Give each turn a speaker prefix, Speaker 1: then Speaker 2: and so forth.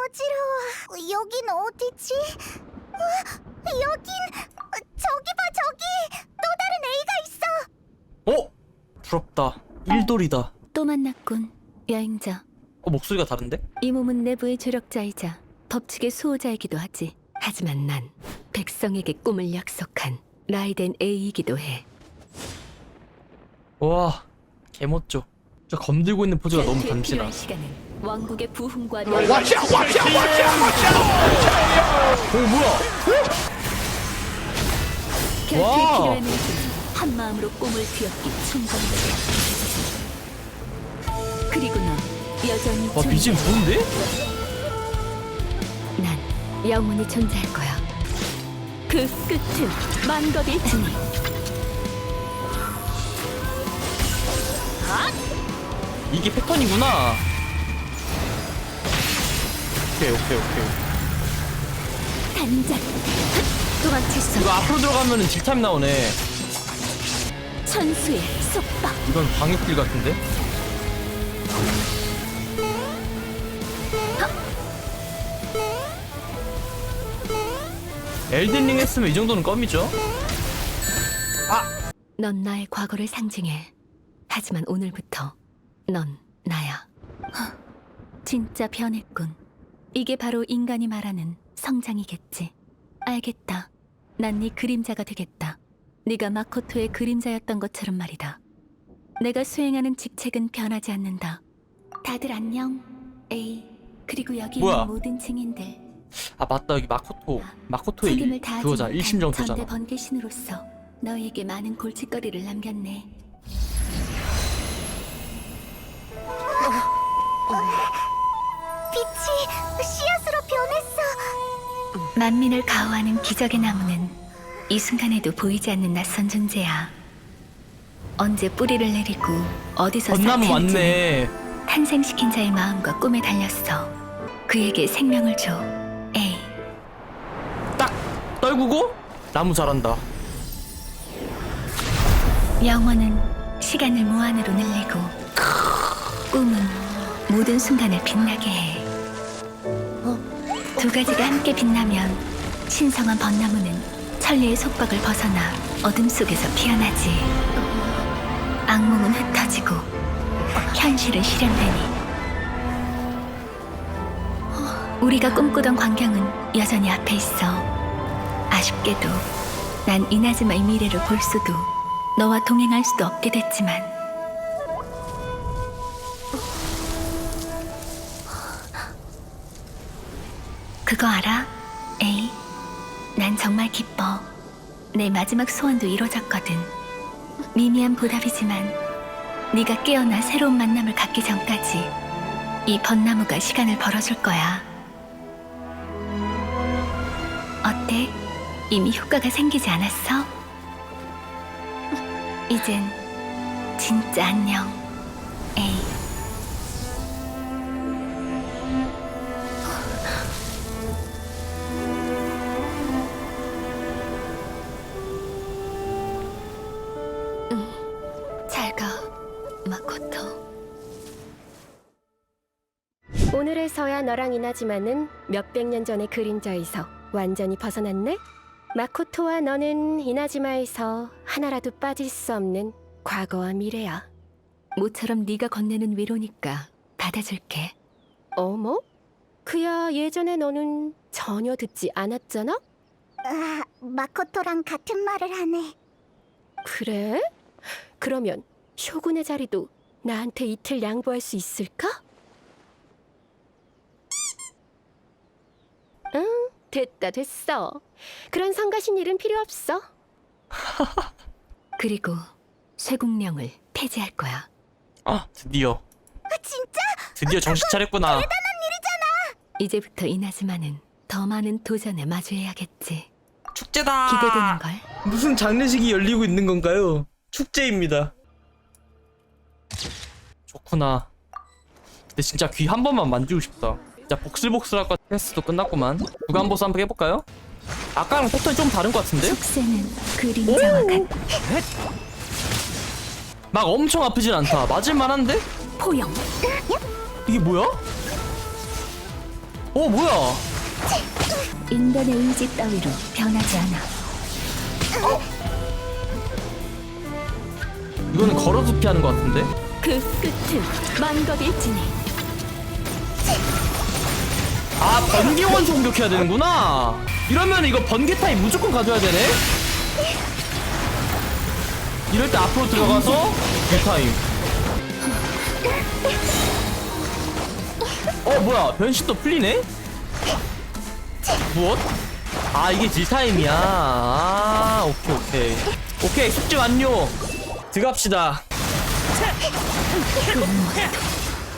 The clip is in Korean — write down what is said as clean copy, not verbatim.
Speaker 1: 어지러워. 여긴 어디지? 여긴 저기 봐, 저기 또 다른 A가 있어.
Speaker 2: 어? 부럽다. 일돌이다.
Speaker 3: 또 만났군, 여행자.
Speaker 2: 목소리가 다른데?
Speaker 3: 이 몸은 내부의 조력자이자 법칙의 수호자이기도 하지. 하지만 난 백성에게 꿈을 약속한 라이덴 A이기도 해.
Speaker 2: 와, 개멋져. 저 검들고 있는 포즈가 너무
Speaker 3: 전투에
Speaker 2: 간지나.
Speaker 3: 필요한 시간은 왕국의 부흥과
Speaker 2: 오, 뭐야?
Speaker 3: 결투에
Speaker 2: 와.
Speaker 3: 필요한 의지는 한 마음으로 꿈을 뒤엎기 충분해. 그리고 넌 여전히
Speaker 2: 와, BGM 좋은데?
Speaker 3: 난 영원히 존재할 거야. 그 끝은 만겁일 테니.
Speaker 2: 이게 패턴이구나. 오케이.
Speaker 3: 단장 도망칠 수
Speaker 2: 이거
Speaker 3: 없다.
Speaker 2: 앞으로 들어가면은 딜타임 나오네.
Speaker 3: 천수의 속박.
Speaker 2: 이건 방역딜 같은데? 엘든링 했으면 이 정도는 껌이죠?
Speaker 3: 넌 나의 과거를 상징해. 하지만 오늘부터 넌 나야. 진짜 변했군. 이게 바로 인간이 말하는 성장이겠지. 알겠다. 난 네 그림자가 되겠다. 네가 마코토의 그림자였던 것처럼 말이다. 내가 수행하는 직책은 변하지 않는다. 다들 안녕. 에이, 그리고 여기
Speaker 2: 뭐야?
Speaker 3: 있는 모든 증인들.
Speaker 2: 아 맞다, 여기 마코토의
Speaker 3: 책임을 다하지
Speaker 2: 그거잖아.
Speaker 3: 못한
Speaker 2: 일심정토잖아.
Speaker 3: 전대 번개신으로서 너희에게 많은 골칫거리를 남겼네.
Speaker 1: 빛이 씨앗으로 변했어.
Speaker 3: 만민을 가호하는 기적의 나무는 이 순간에도 보이지 않는 낯선 존재야. 언제 뿌리를 내리고 어디서
Speaker 2: 건나무
Speaker 3: 싹트는지는
Speaker 2: 맞네.
Speaker 3: 탄생시킨 자의 마음과 꿈에 달렸어. 그에게 생명을 줘. 에이.
Speaker 2: 딱 떨구고 나무 자란다.
Speaker 3: 영원은 시간을 무한으로 늘리고 꿈은 모든 순간을 빛나게 해. 두 가지가 함께 빛나면 신성한 벚나무는 천리의 속박을 벗어나 어둠 속에서 피어나지. 악몽은 흩어지고 현실은 실현되니 우리가 꿈꾸던 광경은 여전히 앞에 있어. 아쉽게도 난 이나즈마의 미래를 볼 수도 너와 동행할 수도 없게 됐지만 그거 알아? 에이, 난 정말 기뻐. 내 마지막 소원도 이루어졌거든. 미미한 보답이지만 네가 깨어나 새로운 만남을 갖기 전까지 이 벚나무가 시간을 벌어줄 거야. 어때? 이미 효과가 생기지 않았어? 이젠 진짜 안녕, 에이. 잘 가, 마코토.
Speaker 4: 오늘에서야 너랑 이나지마는 몇백 년 전의 그림자에서 완전히 벗어났네? 마코토와 너는 이나지마에서 하나라도 빠질 수 없는 과거와 미래야.
Speaker 3: 모처럼 네가 건네는 위로니까 받아줄게.
Speaker 4: 어머? 그야 예전에 너는 전혀 듣지 않았잖아?
Speaker 1: 마코토랑 같은 말을 하네.
Speaker 4: 그래? 그러면 쇼군의 자리도 나한테 이틀 양보할 수 있을까? 응, 됐어. 그런 성가신 일은 필요 없어.
Speaker 3: 그리고 쇠국령을 폐지할 거야.
Speaker 2: 아 드디어
Speaker 1: 진짜?
Speaker 2: 드디어 정신 차렸구나.
Speaker 3: 이제부터 이나즈마는 더 많은 도전에 마주해야겠지.
Speaker 2: 축제다.
Speaker 3: 기대되는걸?
Speaker 2: 무슨 장례식이 열리고 있는 건가요? 축제입니다. 좋구나. 근데 진짜 귀 한 번만 만지고 싶다. 진짜 복슬복슬할 것 같아. 테스트도 끝났구만. 구간보스 한번 해볼까요? 아까랑 패턴이 좀 다른 것 같은데?
Speaker 3: 속세는 그림자와 같
Speaker 2: 막 엄청 아프진 않다. 맞을만한데?
Speaker 3: 포영.
Speaker 2: 이게 뭐야? 뭐야?
Speaker 3: 인간의 의지 따위로 변하지 않아.
Speaker 2: 이거는 걸어서 피하는 것 같은데?
Speaker 3: 그 끝은 만겁일지니.
Speaker 2: 아, 번개 원소 공격해야 되는구나. 이러면 이거 번개 타입 무조건 가져야 되네. 이럴 때 앞으로 들어가서 이 타입. 뭐야, 변신도 풀리네? 무엇? 아, 이게 질타임이야. 아, 오케이 숙제 완료. 들어갑시다.
Speaker 3: 그 무엇도